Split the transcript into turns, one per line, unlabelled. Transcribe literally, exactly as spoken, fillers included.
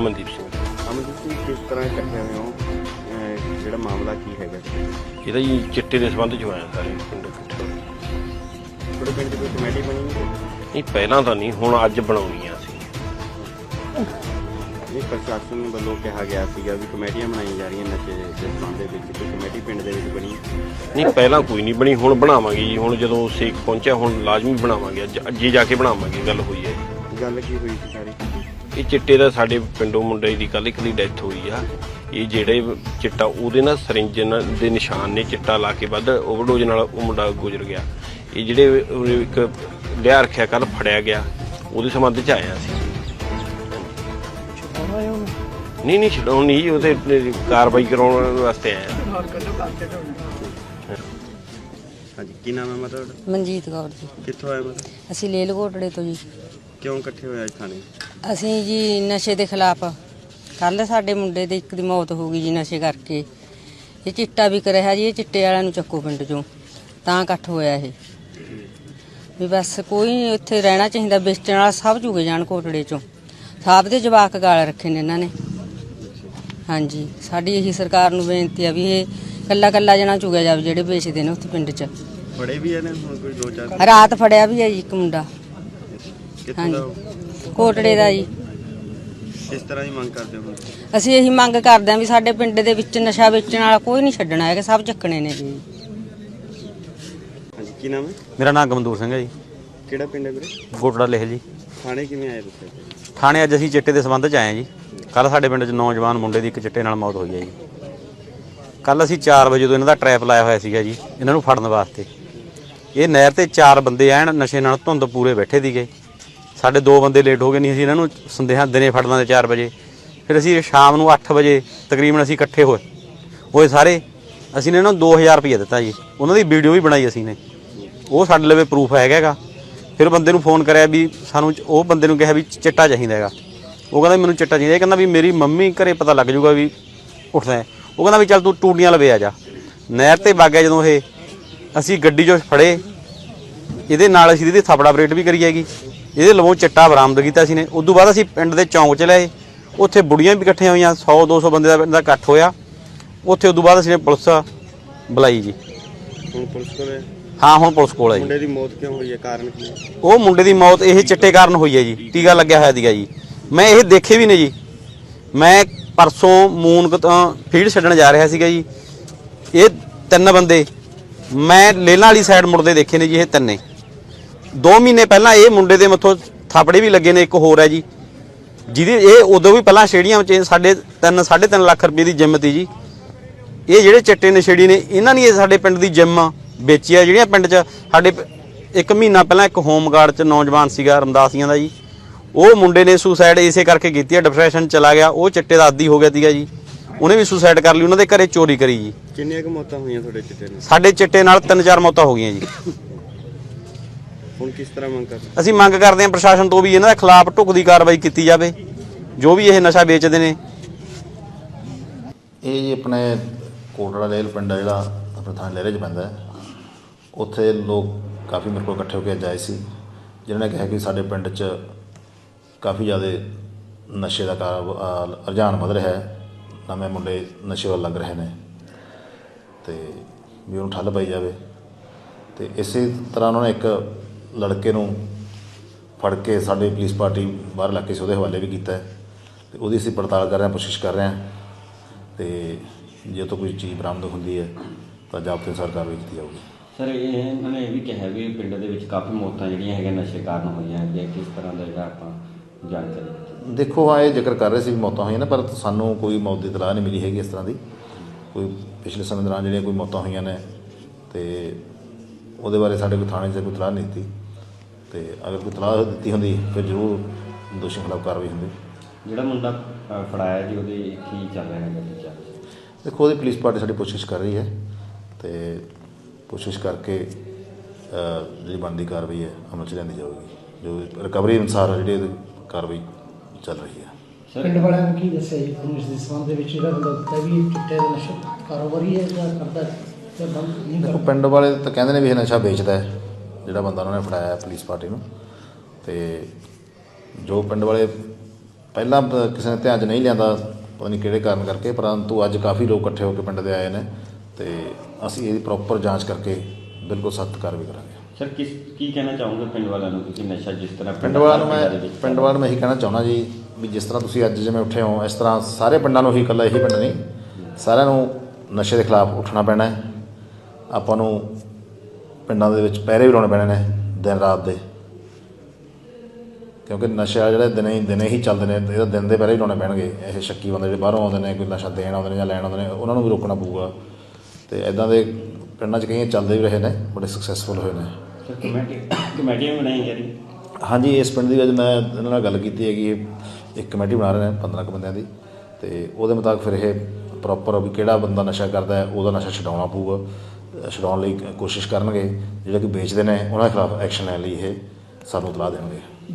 ਅਮਨਦੀਪ ਸਿੰਘ।
ਅਮਨਦੀਪ ਸਿੰਘ ਕਿਸ ਤਰ੍ਹਾਂ ਇਕੱਠੇ ਹੋਏ ਹੋ, ਜਿਹੜਾ ਮਾਮਲਾ ਕੀ ਹੈਗਾ?
ਇਹਦਾ ਜੀ ਚਿੱਟੇ ਦੇ ਸੰਬੰਧ 'ਚ ਹੋਇਆ ਸਾਰੇ ਪਿੰਡ ਇਕੱਠੇ ਹੋਏ।
ਤੁਹਾਡੇ ਪਿੰਡ 'ਚ ਕੋਈ ਕਮੇਟੀ ਬਣੀ ਹੈ?
ਨਹੀਂ ਪਹਿਲਾਂ ਤਾਂ ਨਹੀਂ, ਹੁਣ ਅੱਜ ਬਣਾਉਣੀ ਆ ਅਸੀਂ।
ਇਹ ਪ੍ਰਸ਼ਾਸਨ ਵੱਲੋਂ ਕਿਹਾ ਗਿਆ ਸੀਗਾ ਵੀ ਕਮੇਟੀਆਂ ਬਣਾਈਆਂ ਜਾ ਰਹੀਆਂ ਨਸ਼ੇ ਦੇ ਸੰਬੰਧ ਦੇ ਵਿੱਚ, ਕੋਈ ਕਮੇਟੀ ਪਿੰਡ ਦੇ ਵਿੱਚ ਬਣੀ?
ਨਹੀਂ ਪਹਿਲਾਂ ਕੋਈ ਨਹੀਂ ਬਣੀ, ਹੁਣ ਬਣਾਵਾਂਗੇ ਜੀ। ਹੁਣ ਜਦੋਂ ਸੇਕ ਪਹੁੰਚਿਆ ਹੁਣ ਲਾਜ਼ਮੀ ਬਣਾਵਾਂਗੇ, ਅੱਜ ਅੱਜੇ ਜਾ ਕੇ ਬਣਾਵਾਂਗੇ। ਗੱਲ ਹੋਈ ਹੈ ਜੀ।
ਗੱਲ ਕੀ ਹੋਈ ਸੀ ਸਾਰੀ?
ਇਹ ਚਿੱਟੇ ਦਾ ਸਾਡੇ ਪਿੰਡੋਂ ਮੁੰਡੇ ਦੀ ਕੱਲ੍ਹ ਇੱਕ ਦੀ ਡੈਥ ਹੋਈ ਆ। ਇਹ ਜਿਹੜੇ ਚਿੱਟਾ ਉਹਦੇ ਨਾਲ ਸਰਿੰਜ ਦੇ ਨਿਸ਼ਾਨ ਨੇ, ਚਿੱਟਾ ਲਾ ਕੇ ਵੱਧ ਓਵਰਡੋਜ਼ ਨਾਲ ਉਹ ਮੁੰਡਾ ਗੁਜ਼ਰ ਗਿਆ। ਇਹ ਜਿਹੜੇ ਇੱਕ ਲਿਆ ਰੱਖਿਆ ਕੱਲ੍ਹ ਫੜਿਆ ਗਿਆ, ਉਹਦੇ ਸੰਬੰਧ 'ਚ ਆਇਆ ਸੀ। ਨਹੀਂ ਨਹੀਂ ਛਡਾਉਣ ਨਹੀਂ ਜੀ, ਉਹ ਤੇ ਕਾਰਵਾਈ ਕਰਾਉਣ ਵਾਸਤੇ ਆਇਆ।
ਹਾਂਜੀ, ਕੀ ਨਾਮ ਹੈ ਮਤਲਬ?
ਮਨਜੀਤ ਕੌਰ ਜੀ।
ਕਿੱਥੋਂ ਆਏ ਮਤਲਬ?
ਅਸੀਂ ਲੇਲ ਘੋਟੜੇ ਤੋਂ ਜੀ।
ਕਿਉਂ ਇਕੱਠੇ ਹੋਏ ਅੱਜ ਥਾਣੇ?
ਅਸੀਂ ਜੀ ਨਸ਼ੇ ਦੇ ਖਿਲਾਫ, ਕੱਲ ਸਾਡੇ ਮੁੰਡੇ ਦੇ ਇੱਕ ਦੀ ਮੌਤ ਹੋ ਗਈ ਜੀ ਨਸ਼ੇ ਕਰਕੇ। ਇਹ ਚਿੱਟਾ ਵਿਕ ਰਿਹਾ ਜੀ, ਇਹ ਚਿੱਟੇ ਵਾਲਿਆਂ ਨੂੰ ਚੱਕੋ ਪਿੰਡ ਚੋਂ, ਤਾਂ ਇਕੱਠ ਹੋਇਆ ਇਹ ਵੀ ਬਸ ਕੋਈ ਨਹੀਂ ਉੱਥੇ ਰਹਿਣਾ ਚਾਹੀਦਾ। ਵੇਚਣ ਵਾਲਾ ਸਭ ਚੁਗੇ ਜਾਣ ਘੋਟੜੇ ਚੋਂ, ਸਭ ਦੇ ਜਵਾਕ ਗਾਲ ਰੱਖੇ ਨੇ ਇਹਨਾਂ ਨੇ। ਹਾਂਜੀ, ਸਾਡੀ ਇਹੀ ਸਰਕਾਰ ਨੂੰ ਬੇਨਤੀ ਆ ਵੀ ਇਹ ਕੱਲਾ ਕੱਲਾ ਜਣਾ ਚੁਗਿਆ ਜਾਵੇ ਜਿਹੜੇ ਵੇਚਦੇ ਨੇ ਉੱਥੇ ਪਿੰਡ 'ਚ।
ਫੜੇ ਵੀ ਨੇ ਹੁਣ ਕੋਈ ਦੋ ਚਾਰ?
ਰਾਤ ਫੜਿਆ ਵੀ ਹੈ ਜੀ ਇੱਕ ਮੁੰਡਾ।
ਕਿੱਥੋਂ ਦਾ?
ਘੋਟੜੇ ਦਾ ਜੀ।
ਕਿਸ ਤਰ੍ਹਾਂ ਦੀ ਮੰਗ ਕਰਦੇ ਹੋ?
ਅਸੀਂ ਇਹੀ ਮੰਗ ਕਰਦੇ ਹਾਂ ਵੀ ਸਾਡੇ ਪਿੰਡ ਦੇ ਵਿੱਚ ਨਸ਼ਾ ਵੇਚਣ ਵਾਲਾ ਕੋਈ ਨਹੀਂ ਛੱਡਣਾ ਹੈਗਾ, ਸਭ ਚੱਕਣੇ ਨੇ ਜੀ।
ਹਾਂਜੀ, ਕੀ ਨਾਮ ਹੈ?
ਮੇਰਾ ਨਾਮ ਗਮਦੂਰ ਸਿੰਘ ਹੈ ਜੀ।
ਕਿਹੜਾ ਪਿੰਡ ਹੈ ਵੀਰੇ?
ਗੋਟੜਾ ਲਿਖ ਜੀ।
ਥਾਣੇ ਕਿਵੇਂ ਆਏ ਤੁਸੀਂ?
ਥਾਣੇ ਅੱਜ ਅਸੀਂ ਚਿੱਟੇ ਦੇ ਸੰਬੰਧ 'ਚ ਆਏ ਹਾਂ ਜੀ। ਕੱਲ੍ਹ ਸਾਡੇ ਪਿੰਡ 'ਚ ਨੌਜਵਾਨ ਮੁੰਡੇ ਦੀ ਇੱਕ ਚਿੱਟੇ ਨਾਲ ਮੌਤ ਹੋਈ ਹੈ ਜੀ। ਕੱਲ੍ਹ ਅਸੀਂ ਚਾਰ ਵਜੇ ਤੋਂ ਇਹਨਾਂ ਦਾ ਟਰੈਪ ਲਾਇਆ ਹੋਇਆ ਸੀਗਾ ਜੀ, ਇਹਨਾਂ ਨੂੰ ਫੜਨ ਵਾਸਤੇ। ਇਹ ਨਹਿਰ 'ਤੇ ਚਾਰ ਬੰਦੇ ਐਨ ਨਸ਼ੇ ਨਾਲ ਧੁੰਦ ਪੂਰੇ ਬੈਠੇ ਸੀਗੇ। ਸਾਡੇ ਦੋ ਬੰਦੇ ਲੇਟ ਹੋ ਗਏ, ਨਹੀਂ ਅਸੀਂ ਇਹਨਾਂ ਨੂੰ ਸੰਦੇਹਾਂ ਦਿਨੇ ਫੜ ਲਾਂਦੇ ਚਾਰ ਵਜੇ। ਫਿਰ ਅਸੀਂ ਸ਼ਾਮ ਨੂੰ ਅੱਠ ਵਜੇ ਤਕਰੀਬਨ ਅਸੀਂ ਇਕੱਠੇ ਹੋਏ ਹੋਏ ਸਾਰੇ। ਅਸੀਂ ਨੇ ਇਹਨਾਂ ਨੂੰ ਦੋ ਹਜ਼ਾਰ ਰੁਪਈਆ ਦਿੱਤਾ ਜੀ। ਉਹਨਾਂ ਦੀ ਵੀਡੀਓ ਵੀ ਬਣਾਈ ਅਸੀਂ ਨੇ, ਉਹ ਸਾਡੇ ਲਵੇ ਪ੍ਰੂਫ ਹੈਗਾ ਗਾ। ਫਿਰ ਬੰਦੇ ਨੂੰ ਫੋਨ ਕਰਿਆ ਵੀ ਸਾਨੂੰ, ਉਹ ਬੰਦੇ ਨੂੰ ਕਿਹਾ ਵੀ ਚਿੱਟਾ ਚਾਹੀਦਾ ਹੈਗਾ। ਉਹ ਕਹਿੰਦਾ ਮੈਨੂੰ ਚਿੱਟਾ ਚਾਹੀਦਾ। ਇਹ ਕਹਿੰਦਾ ਵੀ ਮੇਰੀ ਮੰਮੀ ਘਰੇ ਪਤਾ ਲੱਗ ਜਾਊਗਾ ਵੀ ਉੱਠਦਾ। ਉਹ ਕਹਿੰਦਾ ਵੀ ਚੱਲ ਤੂੰ ਟੂਟੀਆਂ ਲਵੇ ਆ ਜਾ। ਨਹਿਰ 'ਤੇ ਵਗ ਗਿਆ ਜਦੋਂ ਇਹ, ਅਸੀਂ ਗੱਡੀ 'ਚੋਂ ਫੜੇ। ਇਹਦੇ ਨਾਲ ਅਸੀਂ ਇਹਦੀ ਥਾਪੜਾ ਆਪਰੇਟ ਵੀ ਕਰੀ ਹੈਗੀ। ਇਹਦੇ ਲਵੋਂ ਚਿੱਟਾ ਬਰਾਮਦ ਕੀਤਾ ਅਸੀਂ ਨੇ। ਉਦੋਂ ਬਾਅਦ ਅਸੀਂ ਪਿੰਡ ਦੇ ਚੌਂਕ 'ਚ ਲਏ, ਉੱਥੇ ਬੁੜੀਆਂ ਵੀ ਇਕੱਠੀਆਂ ਹੋਈਆਂ, ਸੌ ਦੋ ਸੌ ਬੰਦੇ ਦਾ ਪਿੰਡ ਦਾ ਇਕੱਠ ਹੋਇਆ ਉੱਥੇ। ਉਦੋਂ ਬਾਅਦ ਅਸੀਂ ਨੇ ਪੁਲਿਸ ਬੁਲਾਈ ਜੀ।
ਹੁਣ ਪੁਲਿਸ ਕੋਲ ਹੈ?
ਹਾਂ, ਹੁਣ ਪੁਲਿਸ ਕੋਲ ਹੈ ਜੀ।
ਮੁੰਡੇ ਦੀ ਮੌਤ ਕਿਉਂ ਹੋਈ ਹੈ, ਕਾਰਨ ਕੀ ਹੈ?
ਉਹ ਮੁੰਡੇ ਦੀ ਮੌਤ ਇਹ ਚਿੱਟੇ ਕਾਰਨ ਹੋਈ ਹੈ ਜੀ। ਟੀਕਾ ਲੱਗਿਆ ਹੋਇਆ ਸੀਗਾ ਜੀ। ਮੈਂ ਇਹ ਦੇਖੇ ਵੀ ਨੇ ਜੀ। ਮੈਂ ਪਰਸੋਂ ਮੂਨਕ ਤੋਂ ਫੀਡ ਛੱਡਣ ਜਾ ਰਿਹਾ ਸੀਗਾ ਜੀ। ਇਹ ਤਿੰਨ ਬੰਦੇ ਮੈਂ ਲੇਲਾਂ ਵਾਲੀ ਸਾਈਡ ਮੁੜਦੇ ਦੇਖੇ ਨੇ ਜੀ। ਇਹ ਤਿੰਨੇ ਦੋ ਮਹੀਨੇ ਪਹਿਲਾਂ ਇਹ ਮੁੰਡੇ ਦੇ ਮੱਥੋਂ ਥਾਪੜੇ ਵੀ ਲੱਗੇ ਨੇ। ਇੱਕ ਹੋਰ ਹੈ ਜੀ ਜਿਹਦੀ ਇਹ ਉਦੋਂ ਵੀ ਪਹਿਲਾਂ ਸਟੇਡੀਅਮ 'ਚ ਸਾਢੇ ਤਿੰਨ ਸਾਢੇ ਤਿੰਨ ਲੱਖ ਰੁਪਏ ਦੀ ਜਿੰਮ ਤੀ ਜੀ। ਇਹ ਜਿਹੜੇ ਚਿੱਟੇ ਨਸ਼ੇੜੀ ਨੇ ਇਹਨਾਂ ਨੇ ਸਾਡੇ ਪਿੰਡ ਦੀ ਜਿੰਮ ਵੇਚੀ ਆ। ਜਿਹੜੀਆਂ ਪਿੰਡ 'ਚ ਸਾਡੇ ਇੱਕ ਮਹੀਨਾ ਪਹਿਲਾਂ ਇੱਕ ਹੋਮਗਾਰਡ 'ਚ ਨੌਜਵਾਨ ਸੀਗਾ ਰਮਦਾਸੀਆਂ ਦਾ ਜੀ, ਉਹ ਮੁੰਡੇ ਨੇ ਸੁਸਾਈਡ ਇਸੇ ਕਰਕੇ ਕੀਤੀ ਆ। ਡਿਪਰੈਸ਼ਨ ਚਲਾ ਗਿਆ, ਉਹ ਚਿੱਟੇ ਦਾ ਆਦੀ ਹੋ ਗਿਆ ਸੀਗਾ ਜੀ। ਉਹਨੇ ਵੀ ਸੁਸਾਈਡ ਕਰ ਲਈ, ਉਹਨਾਂ ਦੇ ਘਰੇ ਚੋਰੀ ਕਰੀ ਜੀ।
ਕਿੰਨੀਆਂ ਕੁ ਮੌਤਾਂ ਹੋਈਆਂ ਤੁਹਾਡੇ ਚਿੱਟੇ ਨਾਲ?
ਸਾਡੇ ਚਿੱਟੇ ਨਾਲ ਤਿੰਨ ਚਾਰ ਮੌਤਾਂ ਹੋ ਗਈਆਂ ਜੀ।
ਹੁਣ ਕਿਸ ਤਰ੍ਹਾਂ ਮੰਗ ਕਰਦੇ?
ਅਸੀਂ ਮੰਗ ਕਰਦੇ ਹਾਂ ਪ੍ਰਸ਼ਾਸਨ ਤੋਂ ਵੀ ਇਹਨਾਂ ਦੇ ਖਿਲਾਫ ਢੁਕਦੀ ਕਾਰਵਾਈ ਕੀਤੀ ਜਾਵੇ, ਜੋ ਵੀ ਇਹ ਨਸ਼ਾ ਵੇਚਦੇ ਨੇ।
ਇਹ ਜੀ ਆਪਣੇ ਕੋਟੜਾ ਲੇਲ ਪਿੰਡ ਆ ਜਿਹੜਾ ਆਪਣੇ ਥਾਣੇ ਲਹਿਰੇ 'ਚ ਪੈਂਦਾ, ਉੱਥੇ ਲੋਕ ਕਾਫੀ ਮੇਰੇ ਕੋਲ ਇਕੱਠੇ ਹੋ ਕੇ ਅੱਜ ਆਏ ਸੀ, ਜਿਨ੍ਹਾਂ ਨੇ ਕਿਹਾ ਕਿ ਸਾਡੇ ਪਿੰਡ 'ਚ ਕਾਫੀ ਜ਼ਿਆਦਾ ਨਸ਼ੇ ਦਾ ਕਾਰ ਰੁਝਾਨ ਵਧ ਰਿਹਾ ਹੈ। ਨਵੇਂ ਮੁੰਡੇ ਨਸ਼ੇ ਵੱਲ ਲੱਗ ਰਹੇ ਨੇ ਅਤੇ ਵੀ ਉਹਨੂੰ ਠੱਲ ਪਾਈ ਜਾਵੇ। ਅਤੇ ਇਸੇ ਤਰ੍ਹਾਂ ਉਹਨਾਂ ਨੇ ਇੱਕ ਲੜਕੇ ਨੂੰ ਫੜ ਕੇ ਸਾਡੀ ਪੁਲਿਸ ਪਾਰਟੀ ਬਾਹਰ ਇਲਾਕੇ 'ਚ ਉਹਦੇ ਹਵਾਲੇ ਵੀ ਕੀਤਾ ਅਤੇ ਉਹਦੀ ਅਸੀਂ ਪੜਤਾਲ ਕਰ ਰਹੇ ਹਾਂ, ਕੋਸ਼ਿਸ਼ ਕਰ ਰਹੇ ਹਾਂ। ਅਤੇ ਜੇ ਤੋਂ ਕੋਈ ਚੀਜ਼ ਬਰਾਮਦ ਹੁੰਦੀ ਹੈ ਤਾਂ ਜ਼ਾਬਤੇ ਅਨੁਸਾਰ ਕਾਰਵਾਈ ਕੀਤੀ ਜਾਊਗੀ।
ਸਰ ਇਹ ਇਹਨਾਂ ਨੇ ਇਹ ਵੀ ਕਿਹਾ ਵੀ ਪਿੰਡ ਦੇ ਵਿੱਚ ਕਾਫੀ ਮੌਤਾਂ ਜਿਹੜੀਆਂ ਹੈਗੀਆਂ ਨਸ਼ੇ ਕਾਰਨ ਹੋਈਆਂ ਹੈਗੀਆਂ, ਕਿਸ ਤਰ੍ਹਾਂ ਦਾ ਜਿਹੜਾ ਆਪਾਂ ਜਾਣਕਾਰੀ?
ਦੇਖੋ, ਹਾਂ ਇਹ ਜ਼ਿਕਰ ਕਰ ਰਹੇ ਸੀ ਵੀ ਮੌਤਾਂ ਹੋਈਆਂ ਨੇ, ਪਰ ਸਾਨੂੰ ਕੋਈ ਮੌਤ ਦੀ ਇਤਲਾਹ ਨਹੀਂ ਮਿਲੀ ਹੈਗੀ ਇਸ ਤਰ੍ਹਾਂ ਦੀ। ਕੋਈ ਪਿਛਲੇ ਸਮੇਂ ਦੌਰਾਨ ਜਿਹੜੀਆਂ ਕੋਈ ਮੌਤਾਂ ਹੋਈਆਂ ਨੇ ਅਤੇ ਉਹਦੇ ਬਾਰੇ ਸਾਡੇ ਕੋਈ ਥਾਣੇ 'ਚ ਕੋਈ ਇਤਲਾਹ ਨਹੀਂ ਦਿੱਤੀ। ਅਤੇ ਅਗਰ ਕੋਈ ਇਤਲਾਹ ਦਿੱਤੀ ਹੁੰਦੀ ਫਿਰ ਜ਼ਰੂਰ ਦੋਸ਼ੀਆਂ ਖਿਲਾਫ ਕਾਰਵਾਈ ਹੁੰਦੀ।
ਜਿਹੜਾ ਮੁੰਡਾ ਫੜਾਇਆ ਜੀ ਉਹਦੇ ਕੀ ਚੱਲ ਰਿਹਾ ਹੈਗਾ?
ਦੇਖੋ, ਉਹਦੀ ਪੁਲਿਸ ਪਾਰਟੀ ਸਾਡੀ ਕੋਸ਼ਿਸ਼ ਕਰ ਰਹੀ ਹੈ ਅਤੇ ਕੋਸ਼ਿਸ਼ ਕਰਕੇ ਜਿਹੜੀ ਬਣਦੀ ਕਾਰਵਾਈ ਹੈ ਅਮਲ 'ਚ ਲਿਆਂਦੀ ਜਾਊਗੀ। ਜੋ ਰਿਕਵਰੀ ਅਨੁਸਾਰ ਜਿਹੜੀ ਇਹਦੀ ਕਾਰਵਾਈ ਚੱਲ ਰਹੀ ਹੈ।
ਪਿੰਡ ਵਾਲਿਆਂ ਨੇ ਕੀ ਦੱਸਿਆ ਜੀ ਤੁਹਾਨੂੰ ਇਸ ਦੇ ਸੰਬੰਧ ਦੇ ਵਿੱਚ? ਜਿਹੜਾ ਬੰਦਾ ਦਿੱਤਾ ਵੀ ਚਿੱਟੇ ਦਾ ਨਸ਼ਾ ਕਾਰੋਬਾਰੀ ਹੈ ਜਾਂ ਕਰਦਾ ਜਾਂ ਬੰਦ ਨਹੀਂ ਕਰਦਾ?
ਦੇਖੋ, ਪਿੰਡ ਵਾਲੇ ਤਾਂ ਕਹਿੰਦੇ ਨੇ ਵੀ ਇਹ ਨਸ਼ਾ ਵੇਚਦਾ ਹੈ ਜਿਹੜਾ ਬੰਦਾ ਉਹਨਾਂ ਨੇ ਫੜਾਇਆ ਪੁਲਿਸ ਪਾਰਟੀ ਨੂੰ। ਅਤੇ ਜੋ ਪਿੰਡ ਵਾਲੇ ਪਹਿਲਾਂ ਪ- ਕਿਸੇ ਨੇ ਧਿਆਨ 'ਚ ਨਹੀਂ ਲਿਆਂਦਾ, ਪਤਾ ਨਹੀਂ ਕਿਹੜੇ ਕਾਰਨ ਕਰਕੇ, ਪਰੰਤੂ ਅੱਜ ਕਾਫੀ ਲੋਕ ਇਕੱਠੇ ਹੋ ਕੇ ਪਿੰਡ ਦੇ ਆਏ ਨੇ ਤੇ ਅਸੀਂ ਇਹਦੀ ਪ੍ਰੋਪਰ ਜਾਂਚ ਕਰਕੇ ਬਿਲਕੁਲ ਸਖਤ ਕਾਰਵਾਈ ਕਰਾਂਗੇ।
ਸਰ ਕਿਸ ਕੀ ਕਹਿਣਾ ਚਾਹੋਗੇ ਪਿੰਡ ਵਾਲਿਆਂ ਨੂੰ, ਤੁਸੀਂ ਨਸ਼ਾ ਜਿਸ ਤਰ੍ਹਾਂ
ਪਿੰਡ ਵਾਲਿਆਂ ਨੂੰ
ਪਿੰਡਾਂ ਦੇ
ਮੈਂ
ਵਿੱਚ
ਪਿੰਡ ਵਾਲਿਆਂ ਨੂੰ ਮੈਂ ਇਹੀ ਕਹਿਣਾ ਚਾਹੁੰਦਾ ਜੀ ਵੀ ਜਿਸ ਤਰ੍ਹਾਂ ਤੁਸੀਂ ਅੱਜ ਜਿਵੇਂ ਉੱਠੇ ਹੋ, ਇਸ ਤਰ੍ਹਾਂ ਸਾਰੇ ਪਿੰਡਾਂ ਨੂੰ ਹੀ, ਇਕੱਲਾ ਇਹੀ ਪਿੰਡ ਨਹੀਂ, ਸਾਰਿਆਂ ਨੂੰ ਨਸ਼ੇ ਦੇ ਖਿਲਾਫ ਉੱਠਣਾ ਪੈਣਾ ਹੈ। ਆਪਾਂ ਨੂੰ ਪਿੰਡਾਂ ਦੇ ਵਿੱਚ ਪਹਿਰੇ ਵੀ ਲਾਉਣੇ ਪੈਣੇ ਨੇ ਦਿਨ ਰਾਤ ਦੇ, ਕਿਉਂਕਿ ਨਸ਼ਾ ਜਿਹੜੇ ਦਿਨੇ ਹੀ ਦਿਨੇ ਹੀ ਚੱਲਦੇ ਨੇ, ਇਹਦਾ ਦਿਨ ਦੇ ਪਹਿਰੇ ਹੀ ਲਾਉਣੇ ਪੈਣਗੇ। ਇਹ ਸ਼ੱਕੀ ਬੰਦੇ ਜਿਹੜੇ ਬਾਹਰੋਂ ਆਉਂਦੇ ਨੇ, ਕੋਈ ਨਸ਼ਾ ਦੇਣ ਆਉਂਦੇ ਨੇ ਜਾਂ ਲੈਣ ਆਉਂਦੇ ਨੇ, ਉਹਨਾਂ ਨੂੰ ਵੀ ਰੋਕਣਾ ਪਊਗਾ। ਅਤੇ ਇੱਦਾਂ ਦੇ ਪਿੰਡਾਂ 'ਚ ਕਈ ਚੱਲਦੇ ਵੀ ਰਹੇ ਨੇ, ਬੜੇ ਸਕਸੈਸਫੁਲ ਹੋਏ ਨੇ।
ਸਰ ਕਮੇਟੀ ਕਮੇਟੀਆਂ ਵੀ ਬਣਾਈਆਂ ਜਾ ਰਹੀਆਂ।
ਹਾਂਜੀ, ਇਸ ਪਿੰਡ ਦੀ ਵਿੱਚ ਮੈਂ ਇਹਨਾਂ ਨਾਲ ਗੱਲ ਕੀਤੀ ਹੈਗੀ, ਇੱਕ ਕਮੇਟੀ ਬਣਾ ਰਹੇ ਨੇ ਪੰਦਰਾਂ ਕੁ ਬੰਦਿਆਂ ਦੀ, ਅਤੇ ਉਹਦੇ ਮੁਤਾਬਕ ਫਿਰ ਇਹ ਪ੍ਰੋਪਰ ਵੀ ਕਿਹੜਾ ਬੰਦਾ ਨਸ਼ਾ ਕਰਦਾ ਹੈ ਉਹਦਾ ਨਸ਼ਾ ਛਡਾਉਣਾ ਪਊਗਾ। ਛਡਾਉਣ ਲਈ ਕੋਸ਼ਿਸ਼ ਕਰਨਗੇ। ਜਿਹੜੇ ਕਿ ਵੇਚਦੇ ਨੇ ਉਹਨਾਂ ਦੇ ਖਿਲਾਫ ਐਕਸ਼ਨ ਲੈਣ ਲਈ ਇਹ ਸਾਨੂੰ ਇਤਲਾਹ ਦੇਣਗੇ।